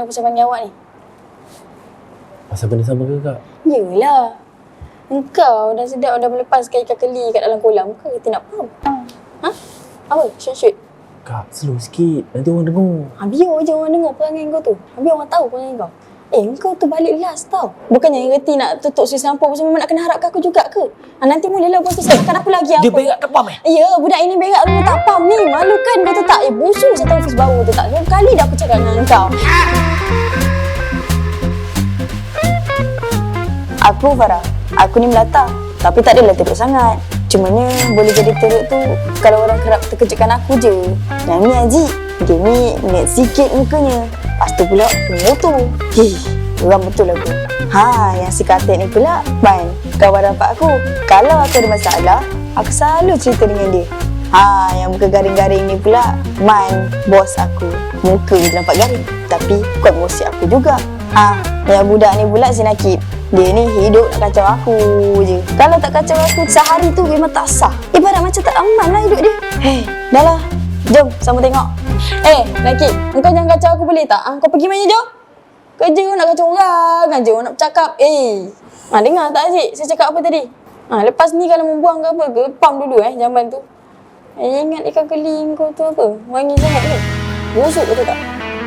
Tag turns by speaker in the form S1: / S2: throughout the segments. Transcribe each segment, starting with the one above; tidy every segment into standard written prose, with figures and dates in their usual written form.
S1: kenapa saya panggil awak ni?
S2: Pasal benda sama ke kak?
S1: Yelah. Engkau dah sedap dah melepaskan ikan keli kat dalam kolam. Kau kata nak faham? Ha? Apa? Shoot.
S2: Kak, slow sikit. Nanti orang dengar.
S1: Biar je orang dengar perangai kau tu. Biar orang tahu perangai kau. Kau tu balik last tau. Bukannya reti nak tutup Swiss lampu pasal memang nak kena harapkan aku juga ke? Nanti mulalah bos tu cakapkan apa lagi apa.
S2: Dia berak tak pam
S1: Ya, budak ini berak dulu tak pam ni. Malu kan kau tu tak? Busuk satu ofis baru tu tak? 2 kali dah aku cakap dengan kau. Aku Farah. Aku ni melata. Tapi tak adalah teruk sangat. Cumanya boleh jadi teruk tu kalau orang kerap terkejutkan aku je. Yang ni Haji, dia ni net sikit mukanya. Lepas tu pula motor. Orang betul aku. Yang si Katek ni pula Man, kawan rapat aku. Kalau aku ada masalah, aku selalu cerita dengan dia. Yang muka garing-garing ni pula Man, bos aku. Muka dia nampak garing, tapi kuat ngosip aku juga. Yang budak ni pula si Nakib. Dia ni hidup nak kacau aku je. Kalau tak kacau aku sehari tu memang tak sah. Ibarat macam tak aman lah hidup dia. Dah lah. Jom sama tengok. Nakib, engkau jangan kacau aku boleh tak? Kau pergi mana jom? Kerja kau nak kacau orang aja, orang nak bercakap. Dengar tak Aziz? Saya cakap apa tadi? Lepas ni kalau membuang ke apa ke, pam dulu jamban tu. Ingat ikan keli kau tu apa? Wangi sangat ke? Busuk betul tak?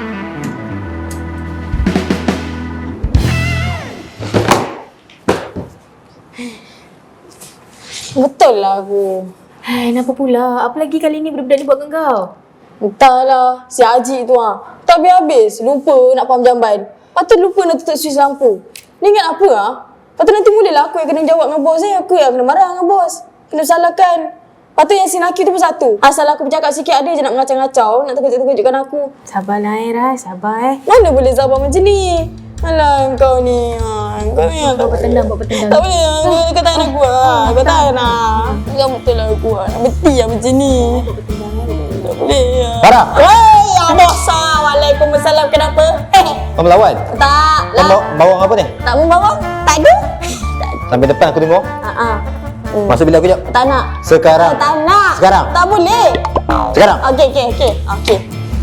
S1: Betul lah aku.
S3: Kenapa pula? Apa lagi kali ni budak-budak ni buat dengan kau?
S1: Entahlah, si Haji tu tak habis-habis. Lupa nak pam jamban. Lepas tu lupa nak tutup Swiss lampu. Ni ingat apa Lepas tu nanti mulalah aku yang kena jawab dengan bos Aku yang kena marah dengan bos. Kena salahkan. Lepas tu yang si Naki tu pun satu. Asal aku bercakap sikit ada je nak mengacau-ngacau. Nak terkejut-terkejutkan aku.
S3: Sabarlah Rai, sabar
S1: Mana boleh sabar macam ni? Alah kau ni. Kau ni
S3: Buat bertendang.
S1: tak boleh. Kau tahan aku Kau tahan Kau betul lah aku nak beti macam ni. Tak boleh
S2: Farah!
S1: Ya bos. Waalaikumsalam. Kenapa?
S2: Kau melawan?
S1: Tak
S2: Kau
S1: lah.
S2: bawang apa ni?
S1: Tak membawang? Tak ada.
S2: Sampai depan aku tengok. Masa bila aku jap?
S1: Tak nak.
S2: Sekarang.
S1: Tak nak.
S2: Sekarang.
S1: Tak boleh.
S2: Sekarang.
S1: Okey.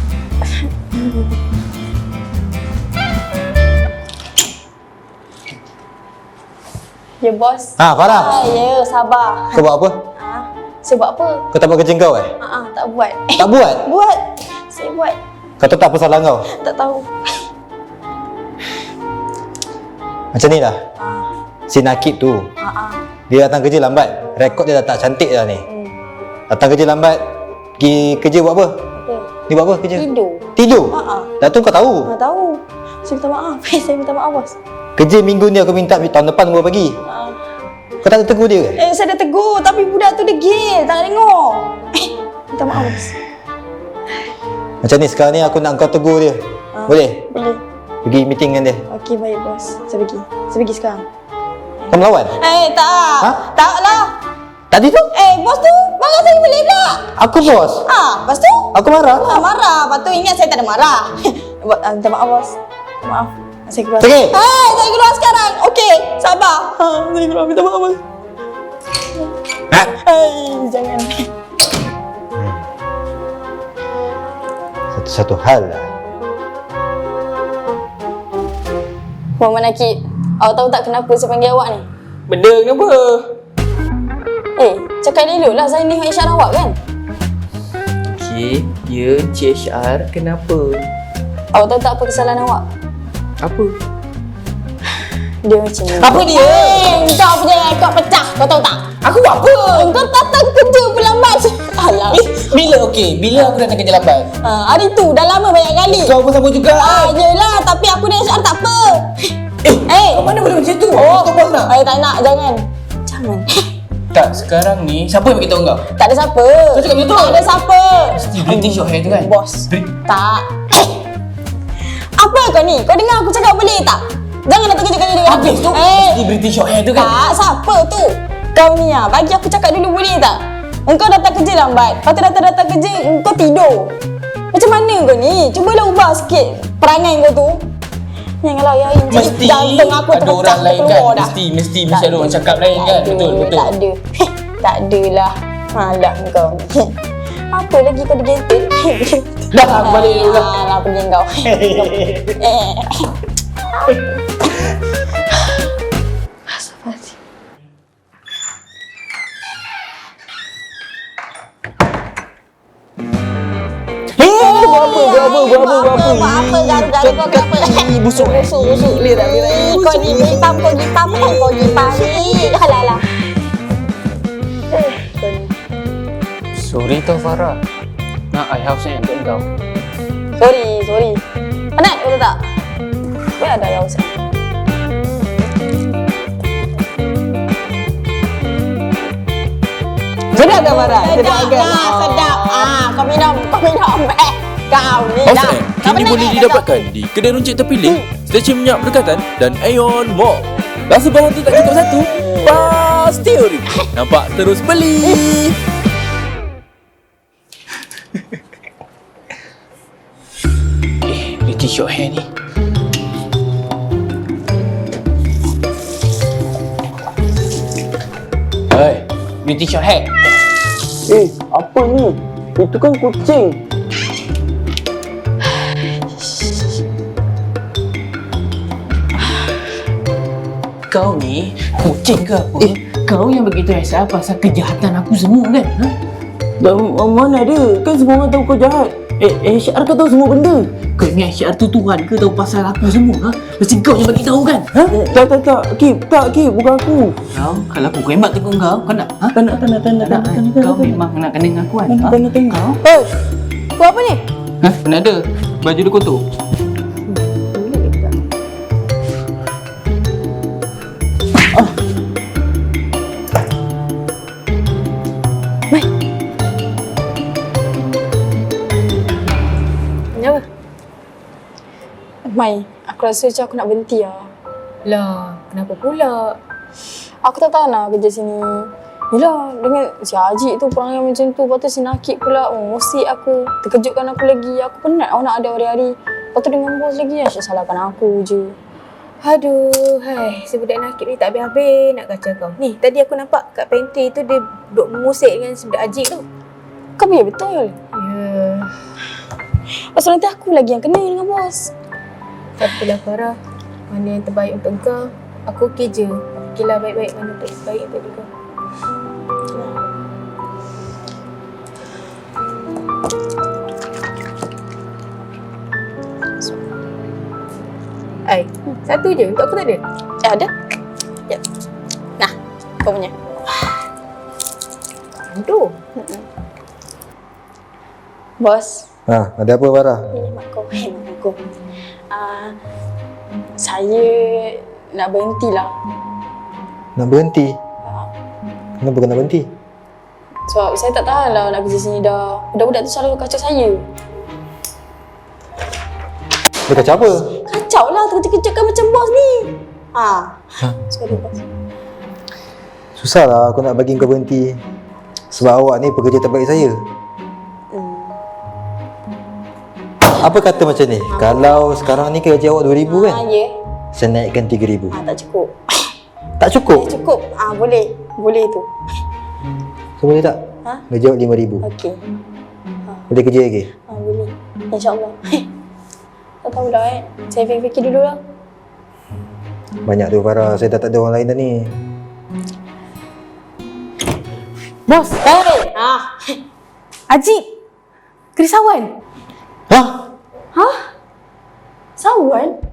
S1: Ya bos.
S2: Farah.
S1: Ya, sabar.
S2: Kau buat apa?
S1: Saya buat apa?
S2: Kau tak buat kerja kau
S1: Tak buat.
S2: Tak buat?
S1: Buat. Saya buat.
S2: Kau tahu tak apa salah kau?
S1: Tak tahu.
S2: Macam ni lah. Si Nakib tu. Dia datang kerja lambat. Rekod dia dah tak cantik dah ni. Datang kerja lambat. Pergi kerja buat apa? Dia buat apa kerja? Tidur? Dah tu kau tahu?
S1: Tahu. Saya minta maaf. Saya minta maaf bos.
S2: Kerja minggu ni aku minta tahun depan gua bagi. Kau tak ada tegur dia ke?
S1: Saya dah tegur tapi budak tu degil. Tak tengok. Minta maaf bos.
S2: Macam ni sekarang ni aku nak kau tegur dia. Boleh?
S1: Boleh.
S2: Pergi meeting dengan dia.
S1: Okey baik bos. Saya pergi sekarang.
S2: Kau melawan?
S1: Tak. Tak lah.
S2: Tadi tu?
S1: Bos tu marah saya balik pula.
S2: Aku bos.
S1: Lepas tu?
S2: Aku marah.
S1: Marah. Lepas tu ingat saya tak ada marah. Minta maaf bos. Maaf. Saya keluar.
S2: Okey.
S1: Saya keluar sekarang. Okey. Sabar. Saya keluar. Minta maaf bos. Jangan.
S2: Satu hal lah.
S1: Muhammad Nakib, awak tahu tak kenapa saya panggil awak ni?
S4: Benda kenapa?
S1: Cakap elok lah. Saya ni HR awak kan?
S4: Okey, ya Encik HR, kenapa?
S1: Awak tahu tak apa kesalahan awak?
S4: Apa?
S1: Dia macam ni.
S4: Apa dia?
S1: Kau punya rekod pecah. Kau tahu tak?
S4: Aku buat apa?
S1: Kau datang kerja pun lambat. Alah.
S4: Bila aku datang kerja lambat?
S1: Hari tu dah lama banyak kali.
S4: Kau pun sama juga.
S1: Yelah, tapi aku ni HR tak apa.
S4: Kau mana boleh macam tu? Kau bos nak?
S1: Tak nak, jangan.
S4: Tak, sekarang ni siapa yang beritahu kau?
S1: Tak ada siapa.
S4: Kau cakap macam tu?
S1: Tak ada siapa.
S4: Mesti British short hair tu kan?
S1: Bos. Tak. Apa kau ni? Kau dengar aku cakap boleh tak? Jangan datang kerja dengan dia.
S4: Habis tu? Mesti British short hair tu kan?
S1: Tak, siapa tu? Kau ni bagi aku cakap dulu boleh tak? Engkau datang kerja lambat. Lepas tu datang kerja, engkau tidur. Macam mana kau ni? Cubalah ubah sikit perangai kau tu. Janganlah ya.
S4: Mesti
S1: jantung aku
S4: ada
S1: terpecah
S4: orang lain kan?
S1: dah.
S4: Mesti ada orang cakap lain kan? Betul.
S1: Tak ada. Tak adalah. Malah kau ni. Apa lagi kau digentil?
S4: Dah, aku balik dulu lah.
S1: Alah, pergi kau.
S4: Buat apa?
S1: Apa garu-garu kau apa?
S4: Busuk.
S1: Ni dah kau ni gipam. Alah.
S4: Sorry tau Farah. Nak I house yang untuk kau.
S1: Sorry. Penat kau tahu tak? Biar ada yang usah.
S5: Sedap tak Farah?
S1: Sedap. Kau minum. Kau ni
S6: House
S1: dah.
S6: M kini boleh didapatkan di kedai runcit terpilih, stesen minyak berdekatan dan Aeon Mall. Rasa barang tu tak cukup satu? Pasti ori. Nampak terus beli.
S4: Pretty short hair ni. Hei, beauty short hair.
S5: Apa ni? Itu kan kucing.
S4: Kau ni kucing ke apa? Kau yang begitu rasa pasal kejahatan aku semua kan? Ha?
S5: Mana ada? Kan semua orang tahu kau jahat. HR kau tahu semua benda.
S4: Kau ni HR tu Tuhan ke tahu pasal aku semua? Ha? Mesti kau yang bagi tahu kan? Ha?
S5: Tak. Kip, bukan aku.
S4: Kau, kalau aku kembat tegur kau nak? Ha?
S5: Tak nak.
S4: Kau memang nak kena ngakuan. Ha?
S5: Tak nak tengok.
S4: Kau?
S1: Kau apa ni?
S4: Ha? Mana ada? Baju dia kotor.
S3: Kenapa?
S1: Mai, aku rasa macam aku nak berhenti lah.
S3: Lah, kenapa pula?
S1: Aku tak tahan lah kerja sini. Yelah, dengan si Haji tu perangai macam tu. Lepas tu si Nakib pula mengusik aku. Terkejutkan aku lagi. Aku penat nak ada hari-hari. Lepas tu dengan bos lagi, asyik salahkan aku je.
S3: Aduh, si budak Nakib ni tak habis-habis nak kacau kau. Ni, tadi aku nampak kat pantry tu dia duduk mengusik dengan si budak Ajik tu.
S1: Kau biar betul.
S3: Ya,
S1: Pasal nanti aku lagi yang kena dengan bos.
S3: tak apalah Farah. Mana yang terbaik untuk kau, aku okey je. Fikirlah baik-baik mana terbaik untuk diri kau. Satu je, untuk aku tak ada.
S1: Ada? Jap. Nah, kau punya.
S3: Tu.
S1: Bos,
S2: Ada apa Farah?
S1: ini mak kau. Mak aku. Saya nak berhentilah.
S2: Nak berhenti? Kenapa kena berhenti?
S1: Sebab saya tak tahan lah nak kerja sini dah. Budak-budak tu selalu kacau saya.
S2: Dia kacau apa?
S1: Kacau lah, terkejut-kejutkan macam bos ni. Sorry bos.
S2: Susah lah aku nak bagi kau berhenti. Sebab awak ni pekerja terbaik saya. Apa kata macam ni? Kalau sekarang ni gaji awak 2,000 kan?
S1: Ya.
S2: Saya naikkan 3,000.
S1: Tak cukup.
S2: Tak cukup?
S1: Cukup. Boleh. Boleh tu.
S2: So boleh tak? Gaji awak 5,000.
S1: Okey.
S2: Boleh kerja lagi?
S1: Boleh. InsyaAllah. Tak tahu dah Saya fikir-fikir dulu lah.
S2: Banyak tu Farah, saya dah tak ada orang lain dah ni.
S3: Bos,
S1: Hey!
S3: Ajik. Kerisawan.
S2: Hah?
S1: Sawan?